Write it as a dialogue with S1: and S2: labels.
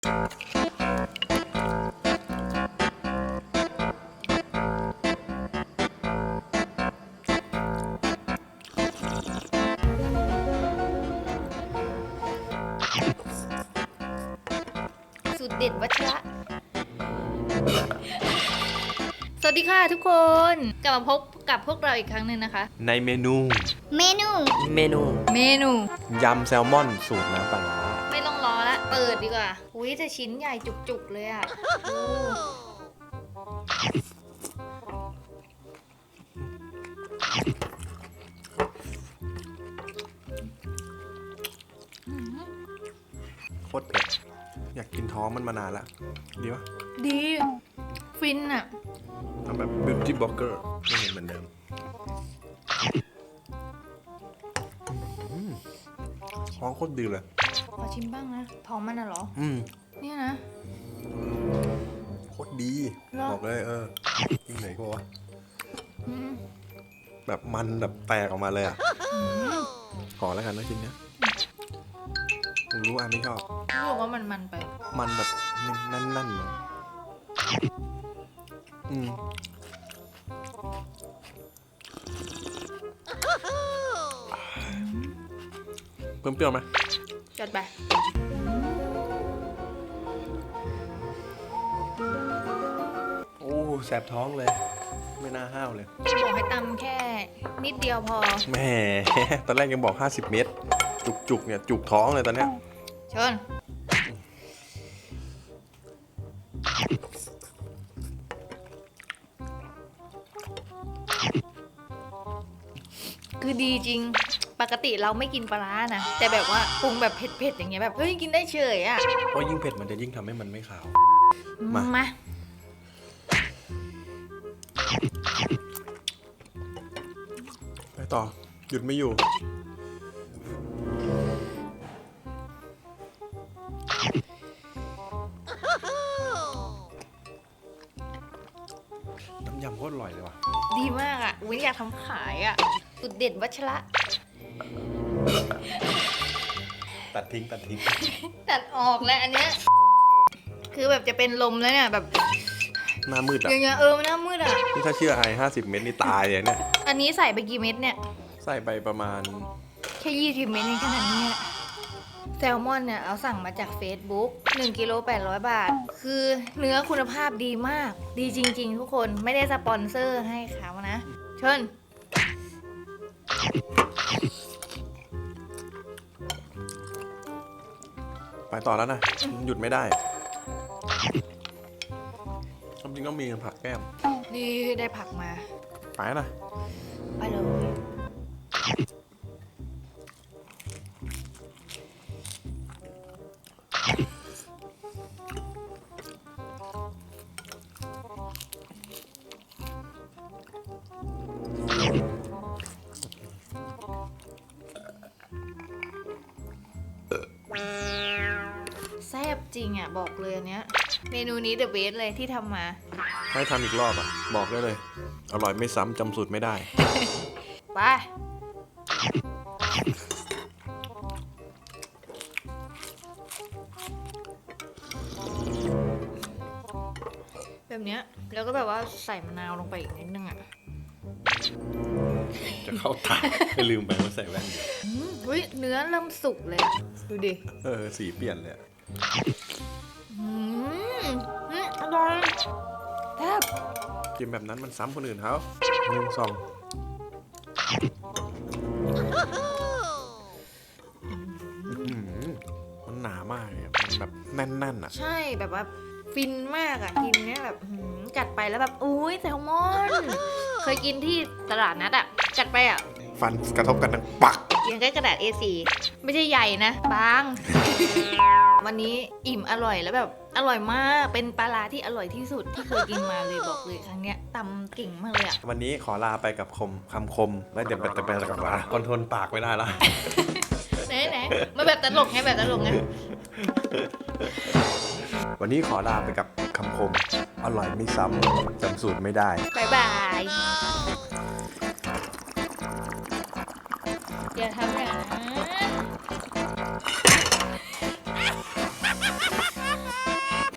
S1: สูตรเด็ดวัชระสวัสดีค่ะทุกคน กลับมาพบกับพวกเราอีกครั้งหนึ่งนะคะ
S2: ในเมนู ยำแซลมอนสูตรน้ำปลาร้า
S1: ไม่ต้องรอละเปิดดีกว่าอุ้ยแต่ชิ้นใหญ่จุกๆเลยอ่ะ
S2: โคตรเผ็ดอยากกินท้องมันมานานแล้วดีปะ
S1: ดีฟินอ่ะ
S2: ทำแบบ beauty blogger ไม่เห็นเหมือนเดิมท้องโคตรดีเลย
S1: ขอชิมบ้างนะท้องมันน่ะเหรอ เนี่ยนะ
S2: โคตรดี
S1: เหรอ
S2: บอกเลยกินไหนก็วะแบบมันแบบแตกออกมาเลยอ่ะขอแล้วกันนะชิ้นเนี้ยผมรู้อันไม่ชอบ
S1: รู้สึกว่ามันไป
S2: มันแบบนั่นๆเลยเพิ่มเปรี้ยวไหม
S1: จัดไป
S2: โอ้แสบท้องเลย ไม่น่าห้าวเลย
S1: บอกให้ตำแค่นิดเดียวพอ
S2: แหม ตอนแรกยังบอก50 เมตร จุกเนี่ยจุกท้องเลยตอนเนี้ย
S1: ชนคือดีจริง ปกติเราไม่กินปลาร้านะ แต่แบบว่าปรุงแบบเผ็ดๆอย่างเงี้ยแบบเฮ้ยกินได้เฉยอ่ะ
S2: เพราะยิ่งเผ็ดมันจะยิ่งทำให้มันไม่ขาว มา
S1: มา
S2: ไปต่อ หยุดไม่อยู่ น้ำยำโคตรอร่อยเลยว่ะ
S1: ดีมากอ่ะอุ้ยอยากทำขายอ่ะสุดเด็ดวัชระ
S2: ตัดทิ้ง
S1: ตัดออกแล้วอันเนี้ยคือแบบจะเป็นลมแล้วเนี่ยแบบ
S2: หน้ามืดอ่ะ
S1: อย่างเงี้ยมันหน้ามืดอ่ะ
S2: นี่ถ้าเชื่อไอ50 เมตรนี่ตายเลยเนี่ย
S1: อันนี้ใส่ไปกี่เม็ดเนี่ย
S2: ใส่ไปประมาณ
S1: แค่20 เม็ดเองขนาดนี้แหละแซลมอนเนี่ยเอาสั่งมาจาก Facebook 1กิโล800 บาท คือเนื้อคุณภาพดีมาก ดีจริงๆทุกคนไม่ได้สปอนเซอร์ให้เขานะเชิญ
S2: ไปต่อแล้วนะ หยุดไม่ได้จริงๆต้องมีผักแก้ม
S1: นี่ได้ผักมา
S2: ไปนะ
S1: ไปเลย แซ่บจริงอ่ะบอกเลยอันเนี้ย เมนูนี้เดอะเบสเลยที่ทำมา
S2: ให้ทำอีกรอบอ่ะ บอกได้เลย อร่อยไม่ซ้ำจำสูตรไม่ได้
S1: ไป แบบเนี้ยแล้วก็แบบว่าใส่มะนาวลงไปอีกนิดนึงอ่ะ
S2: จะเข้าตาไม่ลืมไปว่าใส่แว่นอยู่
S1: อุ้ยเนื้อเริ่มสุกเลยอะดูดิ
S2: สีเปลี่ยนเลยอะ
S1: อร่อยแซ่บ
S2: กินแบบนั้นมันซ้ำคนอื่นเขา1 2มันหนามากเลยอะมันแบบแน่นๆอ่ะ
S1: ใช่แบบว่าฟินมากอ่ะกินเนี้ยแบบกัดไปแล้วแบบอุ้ยแซลมอน เคยกินที่ตลาดนัดอ่ะกัดไปอ่ะ
S2: ฟันกระทบกันทั้งปัก
S1: ยังได้กระดาษ A4 ไม่ใช่ใหญ่นะบาง วันนี้อิ่มอร่อยแล้วแบบอร่อยมากเป็นปลาร้าที่อร่อยที่สุดที่เคยกินมาเลยบอกเลยครั้งเนี้ยตำเก่งมากเลยอ่ะ
S2: วันนี้ขอลาไปกับคำคมแล้วเดี๋ยวแต่กับว่าคอนโทรลปากไม่ได้ละ
S1: ไหนมาแบบตลกไงแบบตลกไง
S2: วันนี้ขอลาไปกับคำคม อร่อยไม่ซ้ำจำสูตรไม่ได้
S1: บ๊ายบายอย่าทำอย่างนั้น